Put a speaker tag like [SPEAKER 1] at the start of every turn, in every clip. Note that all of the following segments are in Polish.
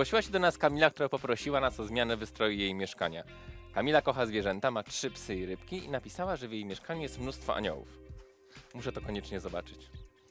[SPEAKER 1] Zgłosiła się do nas Kamila, która poprosiła nas o zmianę wystroju jej mieszkania. Kamila kocha zwierzęta, ma 3 psy i rybki i napisała, że w jej mieszkaniu jest mnóstwo aniołów. Muszę to koniecznie zobaczyć.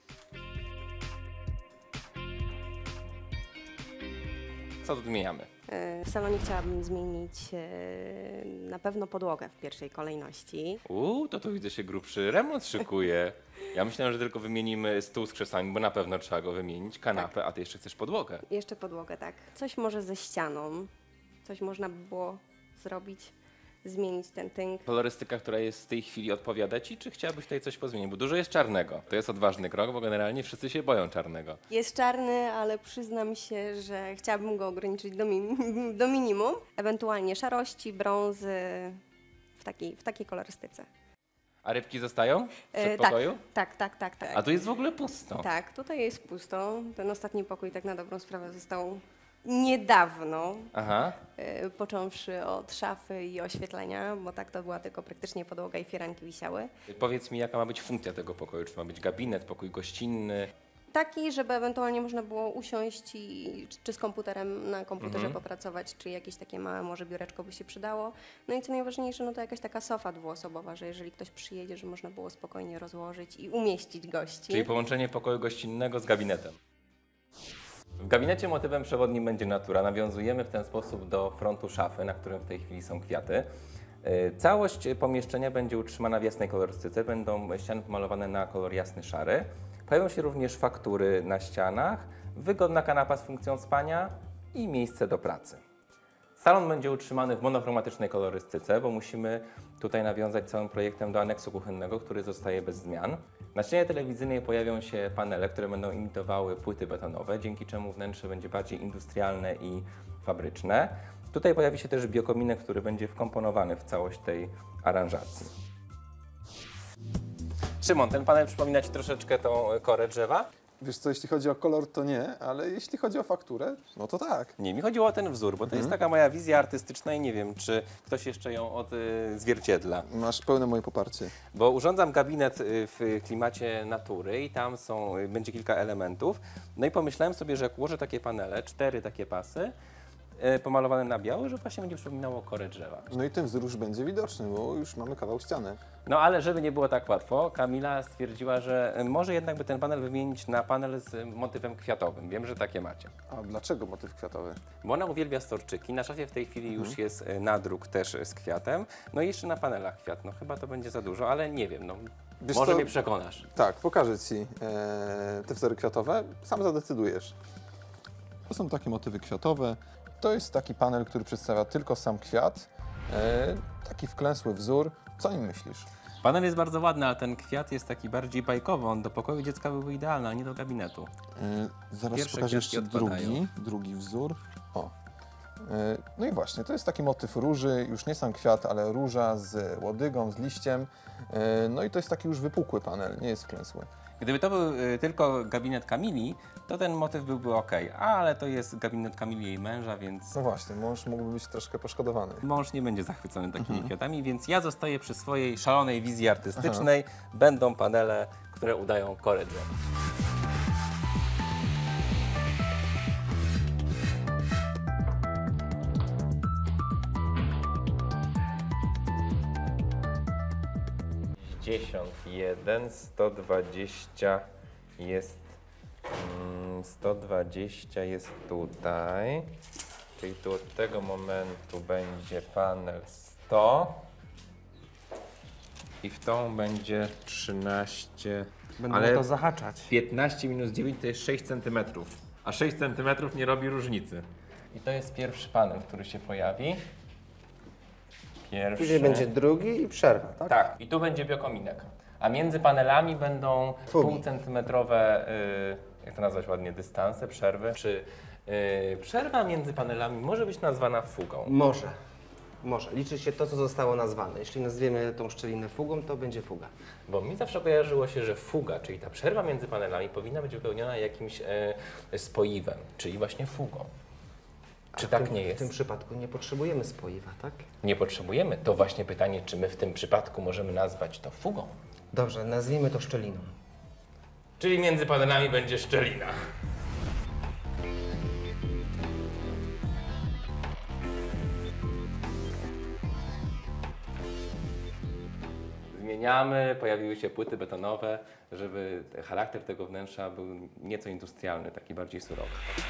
[SPEAKER 1] Co tu zmieniamy?
[SPEAKER 2] W salonie chciałabym zmienić na pewno podłogę w pierwszej kolejności.
[SPEAKER 1] To tu widzę się grubszy remont szykuje. Ja myślałem, że tylko wymienimy stół z krzesłami, bo na pewno trzeba go wymienić, kanapę, a ty jeszcze chcesz podłogę.
[SPEAKER 2] Jeszcze podłogę, tak. Coś może ze ścianą, coś można by było zrobić, zmienić ten tynk.
[SPEAKER 1] Kolorystyka, która jest w tej chwili, odpowiada ci, czy chciałabyś tutaj coś pozmienić? Bo dużo jest czarnego. To jest odważny krok, bo generalnie wszyscy się boją czarnego.
[SPEAKER 2] Jest czarny, ale przyznam się, że chciałabym go ograniczyć do minimum. Ewentualnie szarości, brązy, w takiej kolorystyce.
[SPEAKER 1] A rybki zostają w przedpokoju?
[SPEAKER 2] Tak.
[SPEAKER 1] A tu jest w ogóle pusto.
[SPEAKER 2] Tak, tutaj jest pusto. Ten ostatni pokój tak na dobrą sprawę został niedawno,
[SPEAKER 1] Aha.
[SPEAKER 2] począwszy od szafy i oświetlenia, bo tak to była tylko praktycznie podłoga i firanki wisiały.
[SPEAKER 1] Powiedz mi, jaka ma być funkcja tego pokoju? Czy ma być gabinet, pokój gościnny?
[SPEAKER 2] Taki, żeby ewentualnie można było usiąść i czy z komputerem na komputerze popracować, czy jakieś takie małe może biureczko by się przydało. No i co najważniejsze, no to jakaś taka sofa dwuosobowa, że jeżeli ktoś przyjedzie, że można było spokojnie rozłożyć i umieścić gości.
[SPEAKER 1] Czyli połączenie pokoju gościnnego z gabinetem. W gabinecie motywem przewodnim będzie natura. Nawiązujemy w ten sposób do frontu szafy, na którym w tej chwili są kwiaty. Całość pomieszczenia będzie utrzymana w jasnej kolorystyce. Będą ściany pomalowane na kolor jasny, szary. Pojawią się również faktury na ścianach, wygodna kanapa z funkcją spania i miejsce do pracy. Salon będzie utrzymany w monochromatycznej kolorystyce, bo musimy tutaj nawiązać całym projektem do aneksu kuchennego, który zostaje bez zmian. Na ścianie telewizyjnej pojawią się panele, które będą imitowały płyty betonowe, dzięki czemu wnętrze będzie bardziej industrialne i fabryczne. Tutaj pojawi się też biokominek, który będzie wkomponowany w całość tej aranżacji. Szymon, ten panel przypomina Ci troszeczkę tą korę drzewa?
[SPEAKER 3] Wiesz co, jeśli chodzi o kolor, to nie, ale jeśli chodzi o fakturę, no to tak.
[SPEAKER 1] Nie, mi chodziło o ten wzór, bo to jest taka moja wizja artystyczna i nie wiem, czy ktoś jeszcze ją odzwierciedla.
[SPEAKER 3] Masz pełne moje poparcie.
[SPEAKER 1] Bo urządzam gabinet w klimacie natury i tam będzie kilka elementów. No i pomyślałem sobie, że jak ułożę takie panele, 4 takie pasy, pomalowane na biało, że właśnie będzie przypominało korę drzewa.
[SPEAKER 3] No i ten wzór już będzie widoczny, bo już mamy kawał ściany.
[SPEAKER 1] No ale żeby nie było tak łatwo, Kamila stwierdziła, że może jednak by ten panel wymienić na panel z motywem kwiatowym. Wiem, że takie macie.
[SPEAKER 3] A dlaczego motyw kwiatowy?
[SPEAKER 1] Bo ona uwielbia storczyki. Na szafie w tej chwili już jest nadruk też z kwiatem. No i jeszcze na panelach kwiat. No chyba to będzie za dużo, ale nie wiem. No,
[SPEAKER 3] Wiesz
[SPEAKER 1] może
[SPEAKER 3] co?
[SPEAKER 1] mnie przekonasz.
[SPEAKER 3] Tak, pokażę Ci te wzory kwiatowe, sam zadecydujesz. To są takie motywy kwiatowe. To jest taki panel, który przedstawia tylko sam kwiat, taki wklęsły wzór. Co o nim myślisz?
[SPEAKER 1] Panel jest bardzo ładny, ale ten kwiat jest taki bardziej bajkowy. On do pokoju dziecka byłby idealny, a nie do gabinetu.
[SPEAKER 3] Zaraz
[SPEAKER 1] Pierwsze
[SPEAKER 3] pokażę
[SPEAKER 1] kwiatki
[SPEAKER 3] jeszcze
[SPEAKER 1] odpadają.
[SPEAKER 3] drugi wzór. O. No i właśnie, to jest taki motyw róży, już nie sam kwiat, ale róża z łodygą, z liściem. No i to jest taki już wypukły panel, nie jest wklęsły.
[SPEAKER 1] Gdyby to był tylko gabinet Kamili, to ten motyw byłby ok, ale to jest gabinet Kamili i jej męża, więc
[SPEAKER 3] No właśnie, mąż mógłby być troszkę poszkodowany.
[SPEAKER 1] mąż nie będzie zachwycony takimi kwiatami, więc ja zostaję przy swojej szalonej wizji artystycznej. Będą panele, które udają korę drzewa. Jeden, 120 jest 120 jest tutaj, czyli tu od tego momentu będzie panel 100 i w tą będzie 13,
[SPEAKER 4] Będą
[SPEAKER 1] ale
[SPEAKER 4] to zahaczać.
[SPEAKER 1] 15 minus 9 to jest 6 cm, a 6 cm nie robi różnicy. I to jest pierwszy panel, który się pojawi. Pierwszy.
[SPEAKER 4] Później będzie drugi i przerwa, tak?
[SPEAKER 1] Tak, i tu będzie biokominek. A między panelami będą
[SPEAKER 4] Fugi.
[SPEAKER 1] półcentymetrowe, jak to nazwać ładnie, dystanse, przerwy. Czy przerwa między panelami może być nazwana fugą?
[SPEAKER 4] Może. Może. Liczy się to, co zostało nazwane. Jeśli nazwiemy tą szczelinę fugą, to będzie fuga.
[SPEAKER 1] Bo mi zawsze kojarzyło się, że fuga, czyli ta przerwa między panelami powinna być wypełniona jakimś spoiwem, czyli właśnie fugą. Czy tak nie
[SPEAKER 4] W
[SPEAKER 1] jest?
[SPEAKER 4] tym przypadku nie potrzebujemy spoiwa, tak?
[SPEAKER 1] Nie potrzebujemy. To właśnie pytanie, czy my w tym przypadku możemy nazwać to fugą?
[SPEAKER 4] Dobrze, nazwijmy to szczeliną.
[SPEAKER 1] Czyli między panelami będzie szczelina. zmieniamy, pojawiły się płyty betonowe, żeby charakter tego wnętrza był nieco industrialny, taki bardziej surowy.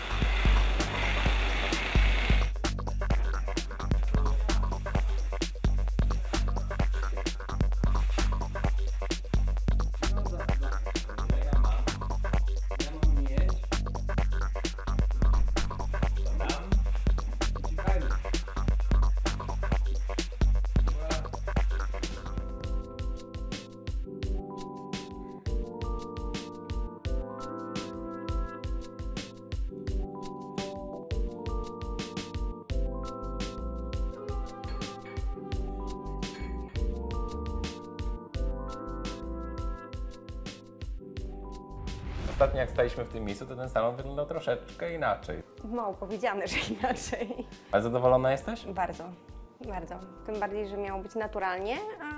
[SPEAKER 1] Ostatnio jak staliśmy w tym miejscu, to ten salon wyglądał troszeczkę inaczej.
[SPEAKER 2] Mało powiedziane, że inaczej.
[SPEAKER 1] Ale zadowolona jesteś?
[SPEAKER 2] Bardzo, bardzo. Tym bardziej, że miało być naturalnie,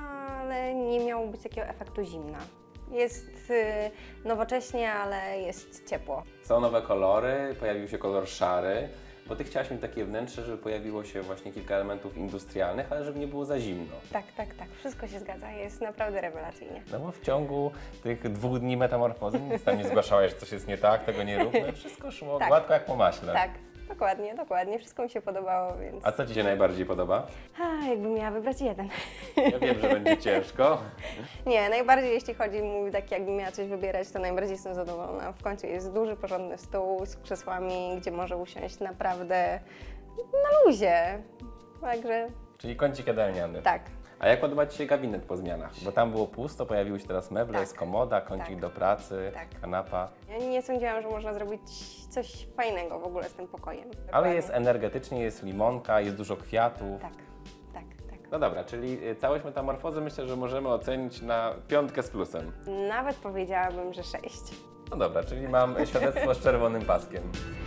[SPEAKER 2] ale nie miało być takiego efektu zimna. Jest nowocześnie, ale jest ciepło.
[SPEAKER 1] Są nowe kolory, pojawił się kolor szary, bo Ty chciałaś mieć takie wnętrze, żeby pojawiło się właśnie kilka elementów industrialnych, ale żeby nie było za zimno.
[SPEAKER 2] Tak, tak, tak. Wszystko się zgadza. Jest naprawdę rewelacyjnie.
[SPEAKER 1] No bo w ciągu tych 2 dni metamorfozy nic tam nie zgłaszałeś, że coś jest nie tak, tego nie rób, no wszystko szło
[SPEAKER 2] Tak.
[SPEAKER 1] gładko jak po maśle.
[SPEAKER 2] Tak, dokładnie, dokładnie. Wszystko mi się podobało, więc...
[SPEAKER 1] A co Ci się najbardziej podoba?
[SPEAKER 2] Jakbym miała wybrać jeden.
[SPEAKER 1] Ja wiem, że będzie ciężko.
[SPEAKER 2] Nie, najbardziej jeśli chodzi mi tak, jakbym miała coś wybierać, to najbardziej jestem zadowolona. W końcu jest duży, porządny stół z krzesłami, gdzie może usiąść naprawdę na luzie. Także
[SPEAKER 1] Czyli kącik jadalniany.
[SPEAKER 2] tak.
[SPEAKER 1] A jak podoba Ci się gabinet po zmianach? Bo tam było pusto, pojawiły się teraz meble,
[SPEAKER 2] Tak.
[SPEAKER 1] jest komoda, kącik
[SPEAKER 2] Tak.
[SPEAKER 1] do pracy,
[SPEAKER 2] Tak.
[SPEAKER 1] kanapa.
[SPEAKER 2] Ja nie sądziłam, że można zrobić coś fajnego w ogóle z tym pokojem.
[SPEAKER 1] Ale
[SPEAKER 2] Dokładnie.
[SPEAKER 1] jest energetycznie, jest limonka, jest dużo kwiatów.
[SPEAKER 2] Tak, tak, tak.
[SPEAKER 1] No dobra, czyli całość metamorfozy myślę, że możemy ocenić na 5 z plusem.
[SPEAKER 2] Nawet powiedziałabym, że 6.
[SPEAKER 1] No dobra, czyli mam świadectwo z czerwonym paskiem.